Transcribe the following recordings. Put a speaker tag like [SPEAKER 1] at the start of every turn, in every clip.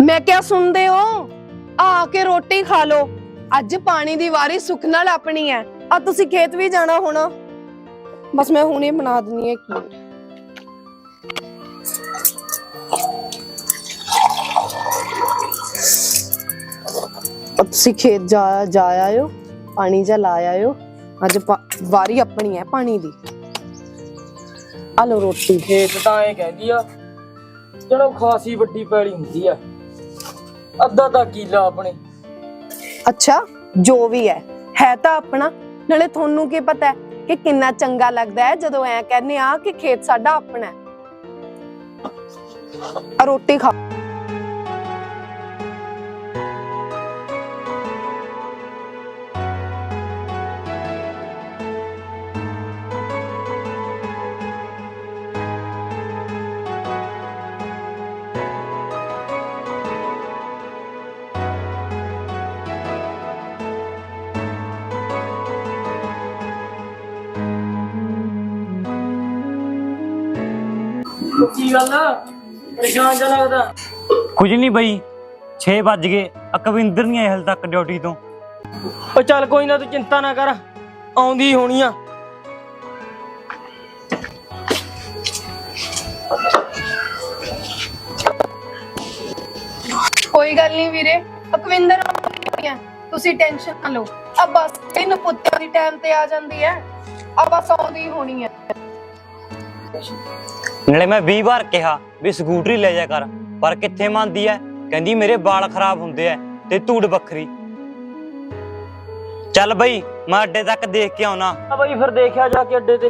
[SPEAKER 1] मैं क्या सुनते हो? आके रोटी खा लो। अज पानी दी वारी सुख नाल अपनी है। आ तुसी खेत भी जाना होना। बस मैं हुणे बना दनी है। अब तुसी खेत जा आयो, पानी जा ला आयो। अज वारी अपनी है पानी दी। आ लो रोटी।
[SPEAKER 2] खेत ਤਾਂ ਇਹ ਕਹਿੰਦੀ ਆ ਚਲੋ ਖਾਸੀ ਵੱਡੀ ਪੈਲੀ ਹੁੰਦੀ ਆ ਅੱਧਾ ਤਾਂ ਕਿੱਲਾ ਆਪਣੇ।
[SPEAKER 1] अच्छा जो भी है तो अपना। नाले थोनू की पता है कि कितना चंगा लगता है जदों ऐ कहने आ कि खेत साडा अपना है। रोटी खा।
[SPEAKER 2] ਕੀ ਗੱਲ ਆ ਪਰੇਸ਼ਾਨ ਜਿਹਾ ਲੱਗਦਾ?
[SPEAKER 3] ਕੁਝ ਨਹੀਂ ਬਈ 6 ਵੱਜ ਗਏ ਅਕਵਿੰਦਰ ਨਹੀਂ ਆਇਆ ਹਲ ਤੱਕ ਡਿਊਟੀ ਤੋਂ।
[SPEAKER 2] ਉਹ ਚੱਲ ਕੋਈ ਨਾ ਤੂੰ ਚਿੰਤਾ ਨਾ ਕਰ ਆਉਂਦੀ ਹੋਣੀ ਆ।
[SPEAKER 1] कोई गल नहीं वीरे, अकविंदर तुसी टेंशन ना लो। अब बस इन पुत्तियां दी टाइम ते आ जांदी है। अब बस आउंदी होनी है।
[SPEAKER 3] ਨਾਲੇ ਮੈਂ 20 ਵਾਰ ਕਿਹਾ ਵੀ ਸਕੂਟਰੀ ਲੈ ਜਾ ਕਰ ਪਰ ਕਿੱਥੇ ਮੰਨਦੀ ਐ। ਕਹਿੰਦੀ ਮੇਰੇ ਵਾਲ ਖਰਾਬ ਹੁੰਦੇ ਐ ਤੇ ਧੂੜ ਵੱਖਰੀ। ਚੱਲ ਬਈ ਮੈਂ ਅੱਡੇ ਤੱਕ ਦੇਖ ਕੇ ਆਉਣਾ।
[SPEAKER 2] ਆ ਬਈ ਫਿਰ ਦੇਖਿਆ ਜਾ ਕੇ ਅੱਡੇ ਤੇ।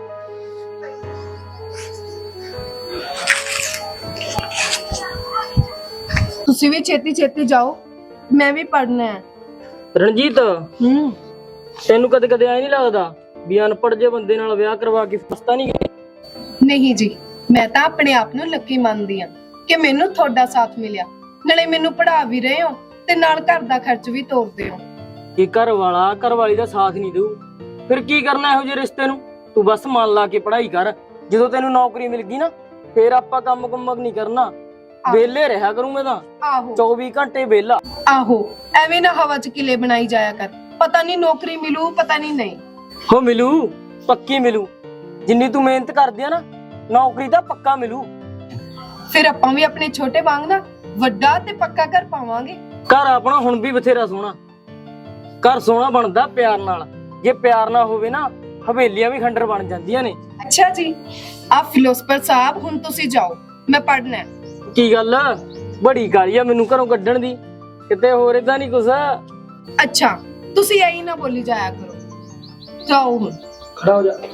[SPEAKER 1] तुसी भी छेती छेती जाओ, मैं भी पढ़ना है।
[SPEAKER 2] ਰਣਜੀਤ ਤੈਨੂੰ ਕਦੇ ਕਦੇ ਐ ਨਹੀਂ ਲੱਗਦਾ ਵੀ ਅਨਪੜ੍ਹ ਜੇ ਬੰਦੇ ਨਾਲ ਵਿਆਹ ਕਰਵਾ ਕੇ ਫਸਤਾ ਨਹੀਂ ਗਏ?
[SPEAKER 1] नहीं जी, मैं तो अपने आप नू लकी मानदी हां कि मैनू थोड़ा साथ मिलिया। नाले मैनू पढ़ा भी रहे हो ते नाल घर दा खर्च भी तोड़दे हो।
[SPEAKER 2] ਕਿ ਘਰ ਵਾਲਾ ਘਰ ਵਾਲੀ ਦਾ ਸਾਥ ਨਹੀਂ ਦੇਊ ਫਿਰ ਕੀ ਕਰਨਾ ਇਹੋ ਜਿਹੇ ਰਿਸ਼ਤੇ ਨੂੰ? ਤੂੰ ਬਸ ਮਨ ਲਾ ਕੇ ਪੜ੍ਹਾਈ ਕਰ। ਜਦੋਂ ਤੈਨੂੰ ਨੌਕਰੀ ਮਿਲ ਗਈ ਨਾ ਫਿਰ ਆਪਾਂ ਕੰਮ ਨਹੀਂ ਕਰਨਾ। ਵੇਲੇ ਰਿਹਾ ਕਰੂੰ ਮੈਂ ਤਾਂ
[SPEAKER 1] आहो
[SPEAKER 2] 24 ਘੰਟੇ ਵੇਲਾ।
[SPEAKER 1] आहो एवें ना हवा च किले बनाई जाया कर। पता नहीं नौकरी मिलू पता नहीं।
[SPEAKER 2] ਹੋ ਮਿਲੂ, ਪੱਕੀ ਮਿਲੂ। ਜਿੰਨੀ ਤੂੰ ਮਿਹਨਤ ਕਰਦੀ ਆ ਨਾ ਨੌਕਰੀ ਤਾਂ ਪੱਕਾ ਮਿਲੂ।
[SPEAKER 1] फिर आपां भी अपने छोटे वांग ना वड्डा ते पक्का घर पावांगे।
[SPEAKER 2] ਘਰ ਆਪਣਾ ਹੁਣ ਵੀ ਬਥੇਰਾ ਸੋਹਣਾ। ਘਰ ਸੋਹਣਾ ਬਣਦਾ ਪਿਆਰ ਨਾਲ। ਜੇ ਪਿਆਰ ਨਾ ਹੋਵੇ ਨਾ ਹਵੇਲੀਆਂ ਵੀ ਖੰਡਰ ਬਣ ਜਾਂਦੀਆਂ ਨੇ।
[SPEAKER 1] अच्छा जी, आप फिलोसफर साहब हुन तुसी जाओ, मैं पढ़ना है।
[SPEAKER 2] ਕੀ ਗੱਲ ਬੜੀ ਗਾਲੀ ਆ ਮੈਨੂੰ ਘਰੋਂ ਕੱਢਣ ਦੀ? ਕਿਤੇ ਹੋਰ ਇਦਾਂ ਨਹੀਂ ਕੁਛ?
[SPEAKER 1] अच्छा तुसी यही ना बोली जाया करो। जाओ हुन।
[SPEAKER 2] ਖੜਾ ਹੋ ਜਾ।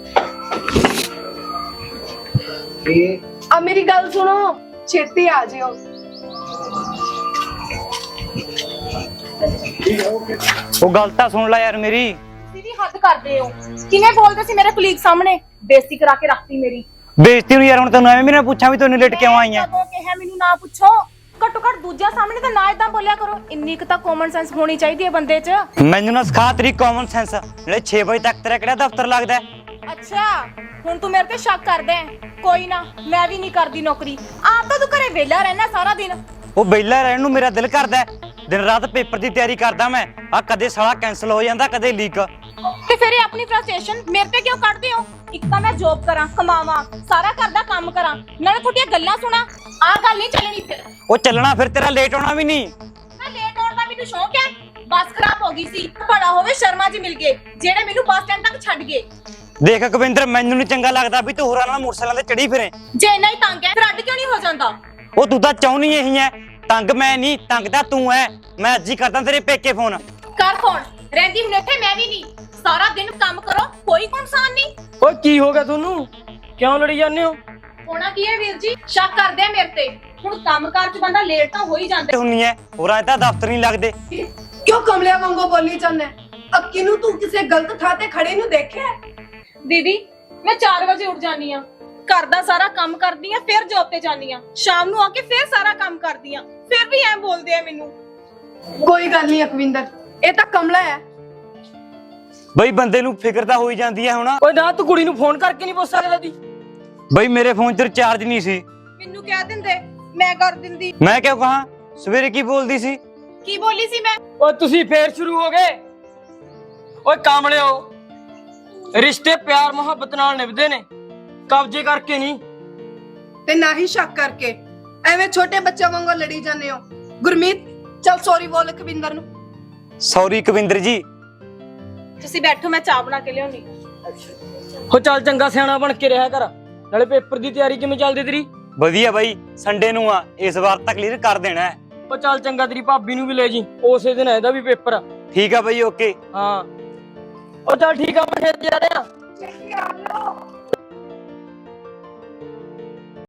[SPEAKER 1] अब मेरी गल सुनो, छेती आ जियो।
[SPEAKER 3] ਉਹ ਗੱਲ ਤਾਂ ਸੁਣ ਲੈ ਯਾਰ ਮੇਰੀ।
[SPEAKER 4] ਤੁਸੀਂ ਵੀ ਹੱਦ ਕਰਦੇ ਹੋ। ਕਿਵੇਂ ਬੋਲਦੇ ਸੀ ਮੇਰੇ ਕੁਲੀਗ ਸਾਹਮਣੇ? ਬੇਇੱਜ਼ਤੀ ਕਰਾ ਕੇ ਰੱਖਤੀ ਮੇਰੀ।
[SPEAKER 3] ਬੇਇੱਜ਼ਤੀ ਨੂੰ ਯਾਰ ਹੁਣ ਤੈਨੂੰ ਐਵੇਂ ਮੇਰੇ ਨਾਲ ਪੁੱਛਾਂ ਵੀ ਤੈਨੂੰ ਲੇਟ ਕਿਉਂ ਆਈ ਐ?
[SPEAKER 4] ਕਦੋਂ ਕਿਹਾ ਮੈਨੂੰ ਨਾ ਪੁੱਛੋ? ਘੱਟੋ ਘੱਟ ਦੂਜਿਆਂ ਸਾਹਮਣੇ ਤਾਂ ਨਾ ਇਦਾਂ ਬੋਲਿਆ ਕਰੋ। ਇੰਨੀ ਕੁ ਤਾਂ ਕਾਮਨ ਸੈਂਸ ਹੋਣੀ ਚਾਹੀਦੀ ਹੈ ਬੰਦੇ 'ਚ।
[SPEAKER 3] ਮੈਨੂੰ ਨਾ ਸਿਖਾ ਤੇਰੀ ਕਾਮਨ ਸੈਂਸ। ਨਾਲੇ 6 ਵਜੇ ਤੱਕ ਤੇਰਾ ਕਿਹੜਾ ਦਫ਼ਤਰ ਲੱਗਦਾ ਹੈ?
[SPEAKER 4] ਅੱਛਾ ਹੁਣ ਤੂੰ ਮੇਰੇ ਤੇ ਸ਼ੱਕ ਕਰਦਾ ਹੈ। ਕੋਈ ਨਾ ਮੈਂ ਵੀ ਨਹੀਂ ਕਰਦੀ ਨੌਕਰੀ। ਆਪ ਤਾਂ ਤੂੰ ਘਰੇ ਵਿਹਲਾ ਰਹਿਣਾ ਸਾਰਾ ਦਿਨ।
[SPEAKER 3] ਉਹ ਵਿਹਲਾ ਰਹਿਣ ਨੂੰ ਮੇਰਾ ਦਿਲ ਕਰਦਾ ਹੈ। ਦਿਨ ਰਾਤ ਪੇਪਰ ਦੀ ਤਿਆਰੀ ਕਰਦਾ ਮੈਂ। ਆ ਕਦੇ ਸਾਲਾ ਕੈਨਸਲ ਹੋ ਜਾਂਦਾ ਕਦੇ ਲੀਕ।
[SPEAKER 4] ਤੇ ਫਿਰ ਇਹ ਆਪਣੀ ਫਰਸਟ੍ਰੇਸ਼ਨ ਮੇਰੇ ਤੇ ਕਿਉਂ ਕੱਢਦੇ ਹੋ? ਇੱਕ ਤਾਂ ਮੈਂ ਜੌਬ ਕਰਾਂ, ਕਮਾਵਾਂ, ਸਾਰਾ ਘਰ ਦਾ ਕੰਮ ਕਰਾਂ, ਨਾਲੇ ਤੁਹਾਡੀਆਂ ਗੱਲਾਂ ਸੁਣਾ। ਆਹ ਗੱਲ ਨਹੀਂ ਚੱਲਣੀ ਫਿਰ।
[SPEAKER 3] ਉਹ ਚੱਲਣਾ ਫਿਰ ਤੇਰਾ ਲੇਟ ਹੋਣਾ ਵੀ ਨਹੀਂ।
[SPEAKER 4] ਮੈਂ ਲੇਟ ਆਉਣ ਦਾ ਮੈਨੂੰ ਸ਼ੌਂਕ ਹੈ। ਬੱਸ ਖਰਾਬ ਹੋ ਗਈ ਸੀ। ਬੜਾ ਹੋਵੇ ਸ਼ਰਮਾ ਜੀ ਮਿਲ ਗਏ ਜਿਹੜੇ ਮੈਨੂੰ ਬੱਸ ਸਟੈਂਡ ਤੱਕ ਛੱਡ ਗਏ।
[SPEAKER 3] ਦੇਖ ਅਕਵਿੰਦਰ ਮੈਨੂੰ ਨਹੀਂ ਚੰਗਾ ਲੱਗਦਾ ਵੀ ਤੂੰ ਹੋਰਾਂ ਨਾਲ ਮੋਟਰਸਾਈਕਲਾਂ ਤੇ ਚੜੀ ਫਿਰੇ।
[SPEAKER 4] ਜੇ ਇੰਨਾ ਹੀ ਤੰਗ ਹੈ ਫਿਰ ਅੱਡ ਕਿਉਂ ਨਹੀਂ ਹੋ ਜਾਂਦਾ?
[SPEAKER 3] ਉਹ ਤੂੰ ਤਾਂ ਚਾਹੁੰਦੀ ਇਹੀ ਐ। ਤੰਗ ਮੈਂ ਨਹੀਂ, ਤੰਗ ਤਾਂ ਤੂੰ ਐ। ਮੈਂ ਅੱਜ ਹੀ ਕਰਦਾ ਤੇਰੇ ਪੇਕੇ ਫੋਨ।
[SPEAKER 4] ਕਰ ਫੋਨ। ਰਹਿੰਦੀ ਮਨੇਠੇ ਮੈਂ ਵੀ ਨਹੀਂ। ਸਾਰਾ ਦਿਨ ਕੰਮ ਕਰੋ, ਕੋਈ ਨੁਕਸਾਨ ਨਹੀਂ।
[SPEAKER 2] ਓਏ ਕੀ ਹੋ ਗਿਆ ਤੁਹਾਨੂੰ? ਕਿਉਂ ਲੜੀ ਜਾਂਦੇ ਹੋ?
[SPEAKER 4] ਹੋਣਾ ਕੀ ਹੈ ਵੀਰ ਜੀ? ਸ਼ੱਕ ਕਰਦੇ ਆ ਮੇਰੇ ਤੇ। ਹੁਣ ਕੰਮਕਾਰ 'ਚ ਬੰਦਾ ਲੇਟ ਤਾਂ ਹੋ ਹੀ ਜਾਂਦਾ।
[SPEAKER 3] ਹੁੰਨੀ ਐ ਹੋਰਾਂ ਤਾਂ ਦਫ਼ਤਰ ਨਹੀਂ ਲੱਗਦੇ।
[SPEAKER 1] क्यों कमलिया वांगू बोली जाना है? अब किनू तू किसे गलत थां ते खड़े नु देखिया है?
[SPEAKER 4] ਦੀਦੀ ਮੈਂ 4 ਵਜੇ ਉੱਠ ਜਾਨੀ ਆ, ਘਰ ਦਾ ਸਾਰਾ ਕੰਮ ਕਰਦੀ ਆ, ਫਿਰ ਜੌਬ ਤੇ ਜਾਨੀ ਆ, ਸ਼ਾਮ ਨੂੰ ਆ ਕੇ ਫਿਰ ਸਾਰਾ ਕੰਮ ਕਰਦੀ ਆ, ਫਿਰ ਵੀ ਐ ਬੋਲਦੇ ਆ ਮੈਨੂੰ।
[SPEAKER 1] कोई गल नहीं अकविंदर, ये तो कमला है।
[SPEAKER 3] ਬਈ ਬੰਦੇ ਨੂੰ ਫਿਕਰ ਤਾਂ ਹੋਈ ਜਾਂਦੀ ਐ ਹੁਣ।
[SPEAKER 2] ਓਏ ਨਾ ਤੂੰ ਕੁੜੀ ਨੂੰ ਫੋਨ ਕਰਕੇ ਨਹੀਂ ਪੁੱਛ ਸਕਦਾ ਦੀ?
[SPEAKER 3] ਬਈ ਮੇਰੇ ਫੋਨ 'ਚ ਰਿਚਾਰਜ ਨਹੀਂ ਸੀ।
[SPEAKER 4] ਮੈਨੂੰ ਕਹਿ ਦਿੰਦੇ, ਮੈਂ ਕਰ ਦਿੰਦੀ।
[SPEAKER 3] ਮੈਂ ਕਿਉਂ ਕਹਾਂ? ਸਵੇਰੇ ਕੀ ਬੋਲਦੀ ਸੀ?
[SPEAKER 4] ਕੀ ਬੋਲੀ ਸੀ ਮੈਂ?
[SPEAKER 2] ਓਏ ਤੁਸੀਂ ਫੇਰ ਸ਼ੁਰੂ ਹੋ ਗਏ। ਓਏ ਕਾਮਲਿਓ, ਰਿਸ਼ਤੇ ਪਿਆਰ ਮੁਹੱਬਤ ਨਾਲ ਨਿਭਦੇ ਨੇ, ਕਬਜ਼ੇ ਕਰਕੇ ਨਹੀਂ।
[SPEAKER 1] ਤੇ ਨਾ ਹੀ ਸ਼ੱਕ ਕਰਕੇ ਐਵੇਂ ਛੋਟੇ ਬੱਚਿਆਂ ਵਾਂਗੂ ਲੜੀ ਜਾਂਦੇ ਹੋ। ਗੁਰਮੀਤ ਚੱਲ ਸੌਰੀ ਬੋਲ ਕਵਿੰਦਰ ਨੂੰ।
[SPEAKER 3] ਸੌਰੀ ਕਵਿੰਦਰ ਜੀ।
[SPEAKER 4] ਤੁਸੀਂ ਬੈਠੋ, ਮੈਂ ਚਾਹ ਬਣਾ ਕੇ ਲਿਆਉਣੀ।
[SPEAKER 2] ਹੋ ਚੱਲ ਚੰਗਾ ਸਿਆਣਾ ਬਣ ਕੇ ਰਿਹਾ ਕਰ। ਨਾਲੇ ਪੇਪਰ ਦੀ ਤਿਆਰੀ ਕਿਵੇਂ ਚੱਲਦੀ ਤੇਰੀ?
[SPEAKER 3] ਵਧੀਆ ਬਾਈ, ਸੰਡੇ ਨੂੰ ਆ, ਇਸ ਵਾਰ ਤਾਂ ਕਲੀਅਰ ਕਰ ਦੇਣਾ ਹੈ।
[SPEAKER 2] ਉਹ ਚੱਲ ਚੰਗਾ, ਤੇਰੀ ਭਾਬੀ ਨੂੰ ਵੀ ਲੈ ਜੀ, ਉਸੇ ਦਿਨ ਇਹਦਾ ਵੀ ਪੇਪਰ ਆ।
[SPEAKER 3] ਠੀਕ ਆ ਬਾਈ, ਓਕੇ।
[SPEAKER 2] ਹਾਂ ਉਹ ਚੱਲ ਠੀਕ ਆ, ਮੈਂ ਫਿਰ ਜਾ ਰਿਹਾ।